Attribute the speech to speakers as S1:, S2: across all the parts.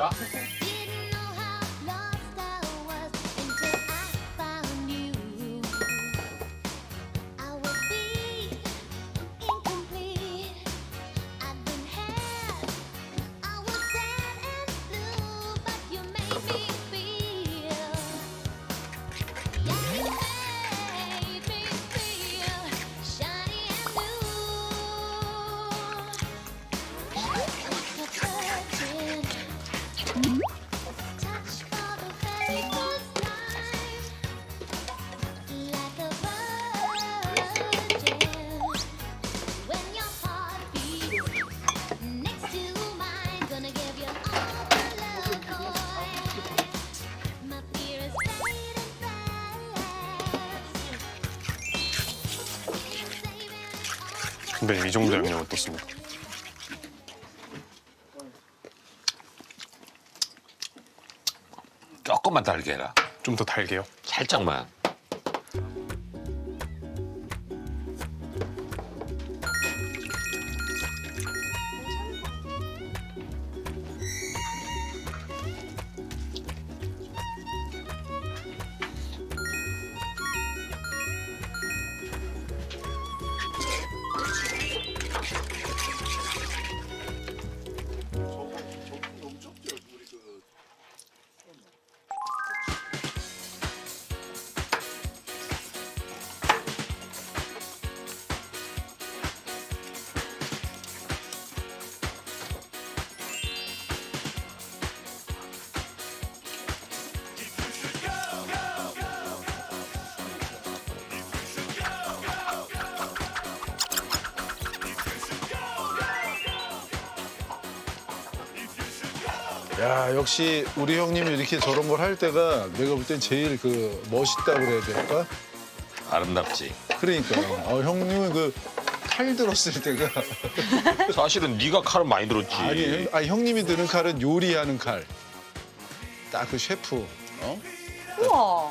S1: 진짜?
S2: 선배님 이 정도 양념 어떻습니까?
S3: 조금만 달게 해라.
S2: 좀 더 달게요.
S3: 살짝만.
S4: 야, 역시 우리 형님이 이렇게 저런 걸 할 때가 내가 볼 땐 제일 그 멋있다고 그래야 될까?
S3: 아름답지.
S4: 그러니까 형님은 그 칼 들었을 때가
S3: 사실은 네가 칼을 많이 들었지.
S4: 아니 형님이 드는 칼은 요리하는 칼. 딱 그 셰프. 어?
S5: 우와.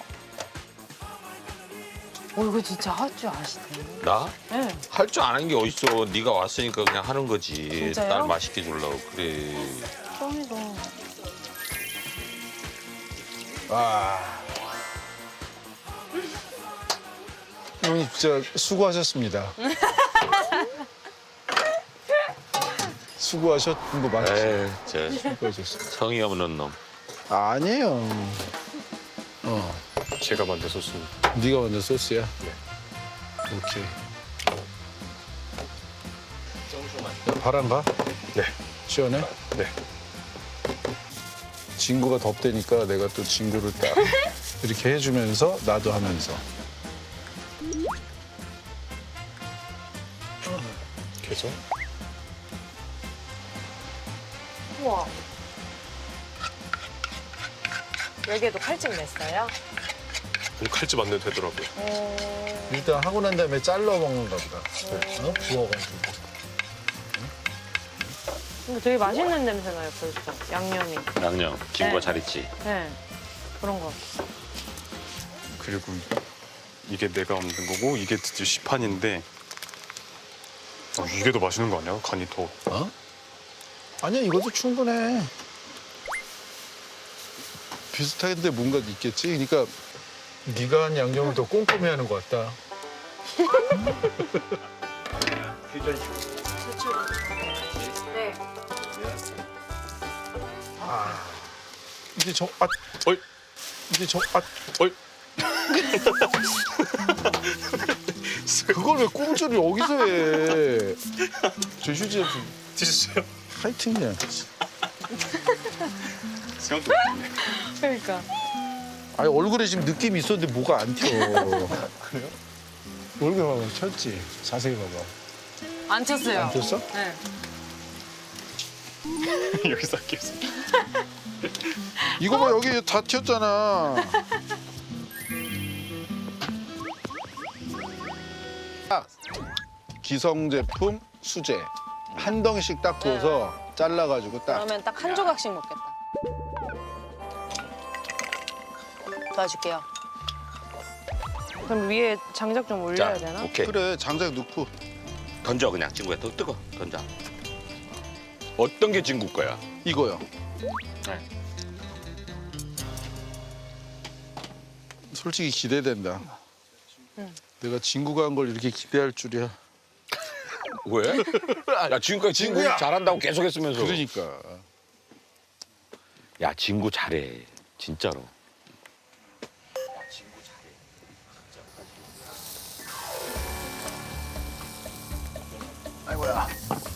S5: 이거 진짜 할 줄 아시네.
S3: 나?
S5: 네.
S3: 할 줄 아는 게 어딨어. 네가 왔으니까 그냥 하는 거지.
S5: 진짜요?
S3: 딸 맛있게 주려고. 그래.
S5: 짱이다.
S4: 와. 형님 진짜 수고하셨습니다. 수고하셨던 거 맞지?
S3: 에이, 저
S4: 수고하셨어.
S3: 성의 없는 놈.
S4: 아니에요.
S2: 제가 만든 소스입니다.
S4: 네가 만든 소스야? 네. 오케이. 야, 바람 가?
S2: 네.
S4: 시원해?
S2: 네.
S4: 진구가 덥대니까 내가 또 진구를 딱 이렇게 해주면서 나도 하면서.
S2: 이렇게 해서
S5: 우와. 여기에도 칼집 냈어요?
S2: 칼집 안 내도 되더라고요.
S4: 일단 하고 난 다음에 잘라 먹는가 보다. 어? 구워가지고.
S5: 근데 되게 맛있는 냄새 나요, 벌써. 양념이.
S3: 양념. 김과
S5: 네.
S3: 잘 있지.
S5: 네. 그런 거.
S2: 그리고 이게 내가 만든 거고 이게 드디어 시판인데 이게 더 맛있는 거 아니야? 간이 더.
S4: 어? 아니야, 이것도 충분해. 비슷한데 뭔가 있겠지? 그러니까 네가 한 양념을 더 꼼꼼히 하는 것 같다.
S5: 네.
S4: 이제
S2: 어이.
S4: 이제
S2: 어이.
S4: 그걸 왜 꼼수를 여기서 해? 저 휴지 좀
S2: 드셨어요?
S4: 하여튼 그냥.
S2: 생각도 못했네.
S5: 그러니까.
S4: 아니 얼굴에 지금 느낌이 있었는데 뭐가 안 튀어. 그래요? 얼굴 봐봐, 쳤지? 자세히 봐봐.
S5: 안 쳤어요.
S4: 안 튀었어?
S5: 네.
S2: 여기서 할게요.
S4: 이거 봐, 여기 다 튀었잖아. 딱 기성 제품 수제 한 덩이씩 딱 구워서 잘라가지고 딱.
S5: 그러면 딱 한 조각씩 먹겠다. 도와줄게요. 그럼 위에 장작 좀 올려야
S3: 자,
S5: 되나?
S3: 오케이.
S4: 그래, 장작 넣고.
S3: 던져 그냥 친구야. 더 뜨거. 던져. 어떤 게 친구 거야?
S4: 이거요. 솔직히 기대된다. 내가 진구가 한 걸 이렇게 기대할 줄이야.
S3: 왜? 야 지금까지 진구
S4: 진구야!
S3: 잘한다고 계속 했으면서.
S4: 그러니까.
S3: 야 진구 잘해. 진짜로.
S4: 아이고야.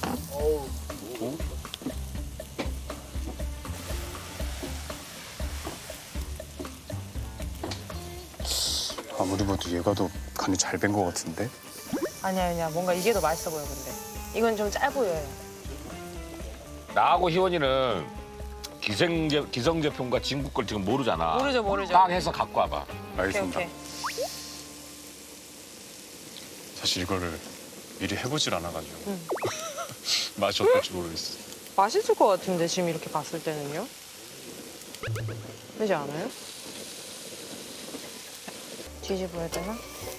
S2: 아무리 봐도 얘가 더 간이 잘 밴 것 같은데?
S5: 아니야. 뭔가 이게 더 맛있어 보여, 근데. 이건 좀 짜 보여요.
S3: 나하고 희원이는 기성제품과 진구 걸 지금 모르잖아.
S5: 모르죠.
S3: 딱 해서 갖고 와봐.
S2: 알겠습니다.
S5: 오케이.
S2: 사실 이거를 미리 해보질 않아가지고 맛이 어떨지 모르겠어.
S5: 맛있을 것 같은데, 지금 이렇게 봤을 때는요? 그러지 않아요? 뒤집어야 되나?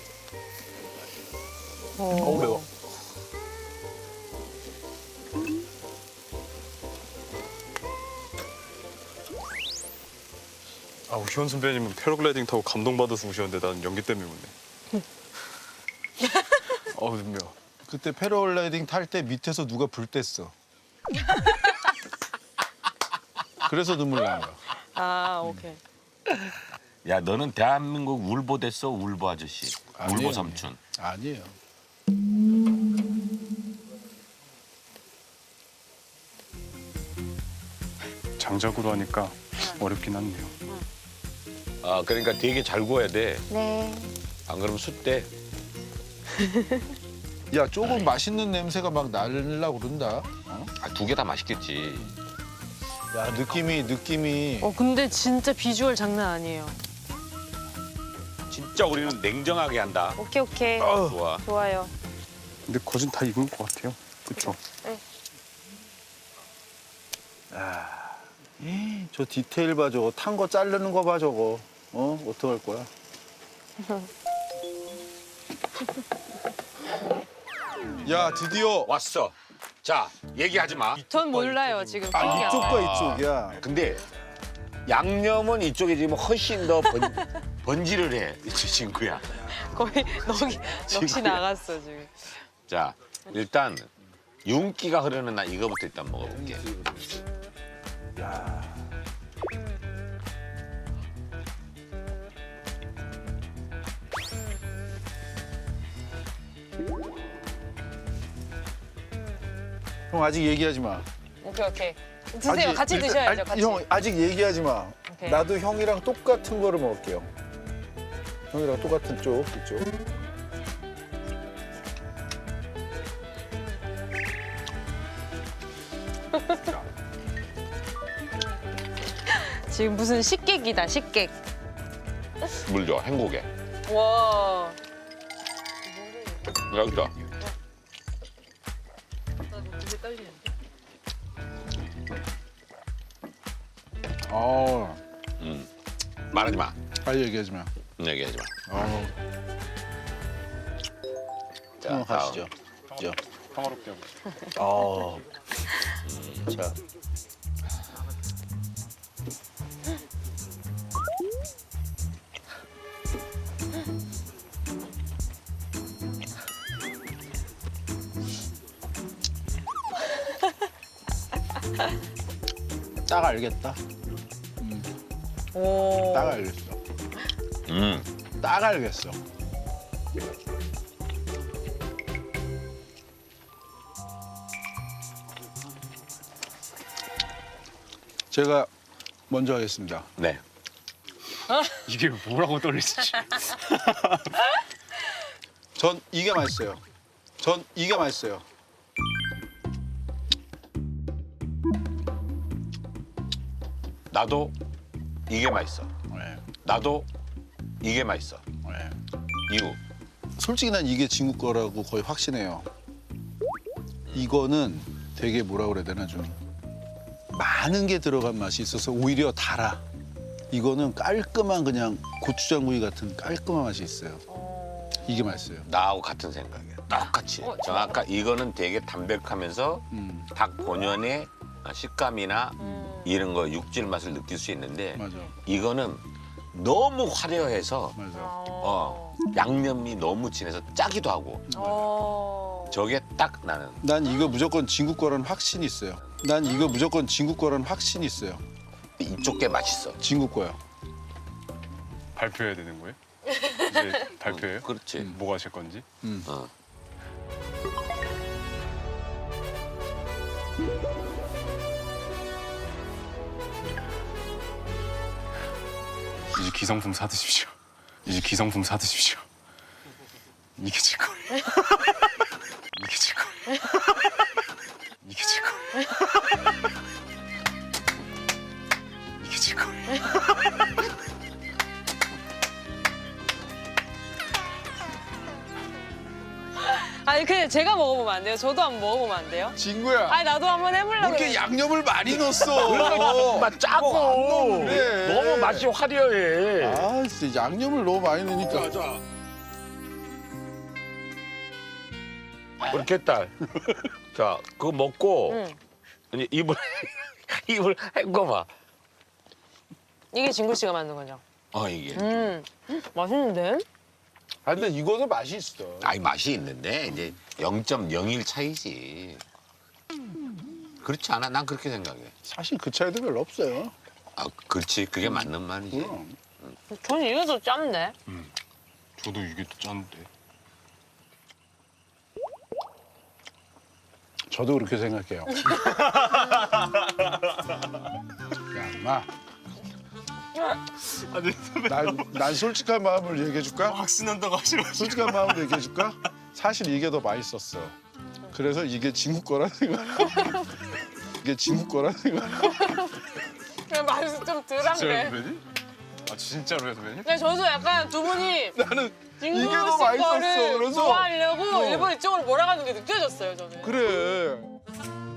S4: 매워.
S2: 아, 희원 선배님은 패러글라이딩 타고 감동받아서 오셨는데 나는 연기 때문에 오네. 어우, 눈매워.
S4: 그때 패러글라이딩 탈 때 밑에서 누가 불 뗐어. 그래서 눈물 난 거야.
S5: 아, 오케이.
S3: 야 너는 대한민국 울보 됐어 울보 아저씨.
S4: 아니에요.
S3: 울보 삼촌.
S4: 아니에요.
S2: 장작으로 하니까 어렵긴 하네요.
S3: 아 그러니까 되게 잘 구워야 돼.
S5: 네.
S3: 안 그러면 숫대.
S4: 야, 조금 맛있는 냄새가 막 날려고 그런다. 어?
S3: 아, 두 개 다 맛있겠지.
S4: 야, 느낌이.
S5: 근데 진짜 비주얼 장난 아니에요.
S3: 진짜 우리는 냉정하게 한다.
S5: 오케이.
S3: 좋아.
S5: 좋아요.
S2: 근데 거진 다 익은 것 같아요. 그쵸?
S5: 네.
S4: 저 디테일 봐, 저거. 탄 거 자르는 거 봐, 저거. 어떡할 거야? 야, 드디어.
S3: 왔어. 자 얘기하지 마.
S5: 전 몰라요, 지금.
S4: 아,
S5: 신기하다.
S4: 이쪽과 이쪽이야.
S3: 근데 양념은 이쪽에 지금 훨씬 더 번지를 해. 이 친구야.
S5: 거의 넋이
S3: 친구야.
S5: 나갔어, 지금.
S3: 자 일단 윤기가 흐르는 나 이거부터 일단 먹어볼게.
S4: 형, 아직 얘기하지 마.
S5: 오케이. 드세요. 같이 드셔야죠, 같이.
S4: 형, 아직 얘기하지 마.
S5: 오케이.
S4: 나도 형이랑 똑같은 거를 먹을게요. 형이랑 똑같은 쪽, 이쪽.
S5: 지금 무슨 식객이다, 식객.
S3: 물 줘. 행복해.
S5: 와.
S3: 여기다. 말하지 마.
S4: 빨리 얘기하지 마.
S3: 얘기하지 마. 자,
S4: 형 가시죠. 그죠?
S2: 평화롭게 하고 싶어요.
S4: 자. 딱 알겠다.
S5: 오.
S4: 딱 알겠어. 딱 알겠어. 제가 먼저 하겠습니다.
S3: 네.
S2: 이게 뭐라고 떨리지?
S4: 전 이게 맛있어요. 전 이게 맛있어요.
S3: 나도 이게 맛있어.
S4: 네.
S3: 나도 이게 맛있어.
S4: 네.
S3: 이유.
S4: 솔직히 난 이게 진구 거라고 거의 확신해요. 이거는 되게 뭐라 그래야 되나 좀 많은 게 들어간 맛이 있어서 오히려 달아. 이거는 깔끔한 그냥 고추장구이 같은 깔끔한 맛이 있어요. 이게 맛있어요.
S3: 나하고 같은 생각이야. 똑같이. 이거는 되게 담백하면서 닭 본연의 식감이나 이런 거 육질 맛을 느낄 수 있는데
S4: 맞아.
S3: 이거는 너무 화려해서
S4: 맞아.
S3: 양념이 너무 진해서 짜기도 하고 저게 딱 나는
S4: 난 이거 무조건 진국 거라는 확신이 있어요. 난 이거 무조건 진국 거라는 확신이 있어요.
S3: 이쪽 게 맛있어.
S4: 진국 거요.
S2: 발표해야 되는 거예요? 이제 발표해요?
S3: 그렇지.
S2: 뭐 하실 건지?
S3: 어.
S2: 이제 기성품 사드십시오. 이제 기성품 사드십시오. 이게 제 거예요. 이게 제 거예요. 이게 제 거예요. 이게 제 거예요.
S5: 아니 근데 제가 먹어보면 안 돼요? 저도 한번 먹어보면 안 돼요?
S4: 진구야.
S5: 아니 나도 한번
S4: 뭐
S5: 해보려고
S4: 이렇게
S5: 그래.
S4: 양념을 많이 넣었어.
S3: 맛 짜고
S4: 그래.
S3: 너무 맛이 화려해.
S4: 아, 진짜 양념을 너무 많이 넣으니까.
S3: 그렇게 딸. 자, 그거 먹고
S5: 응.
S3: 이제 입을 입을 헹궈봐.
S5: 이게 진구 씨가 만든 거죠?
S3: 이게.
S5: 맛있는데?
S4: 아, 근데 이거도 맛이 있어.
S3: 아니 맛이 있는데 이제 0.01 차이지. 그렇지 않아? 난 그렇게 생각해.
S4: 사실 그 차이도 별로 없어요.
S3: 아, 그렇지. 그게 맞는 말이지.
S4: 그럼.
S5: 저는 이게 더 짠데?
S2: 저도 이게 또 짠데.
S4: 저도 그렇게 생각해요. 야, 인마. 난 솔직한 마음을 얘기해줄까?
S2: 확신한다고 하시면
S4: 솔직한 마음을 얘기해줄까? 사실 이게 더 맛있었어. 그래서 이게 진국 거라는 생각. 이게 진국 거라는 생각.
S5: 그냥 맛이 좀
S2: 진짜로
S5: 덜한데.
S2: 선배님? 아 진짜로요 선배님?
S5: 근데 저도 약간 두 분이
S4: 나는
S5: 진구
S4: 이게 더
S5: 씨
S4: 맛있었어.
S5: 거를
S4: 그래서
S5: 좋아하려고
S4: 어.
S5: 일본 이쪽으로 몰아가는 게 느껴졌어요 저는.
S4: 그래.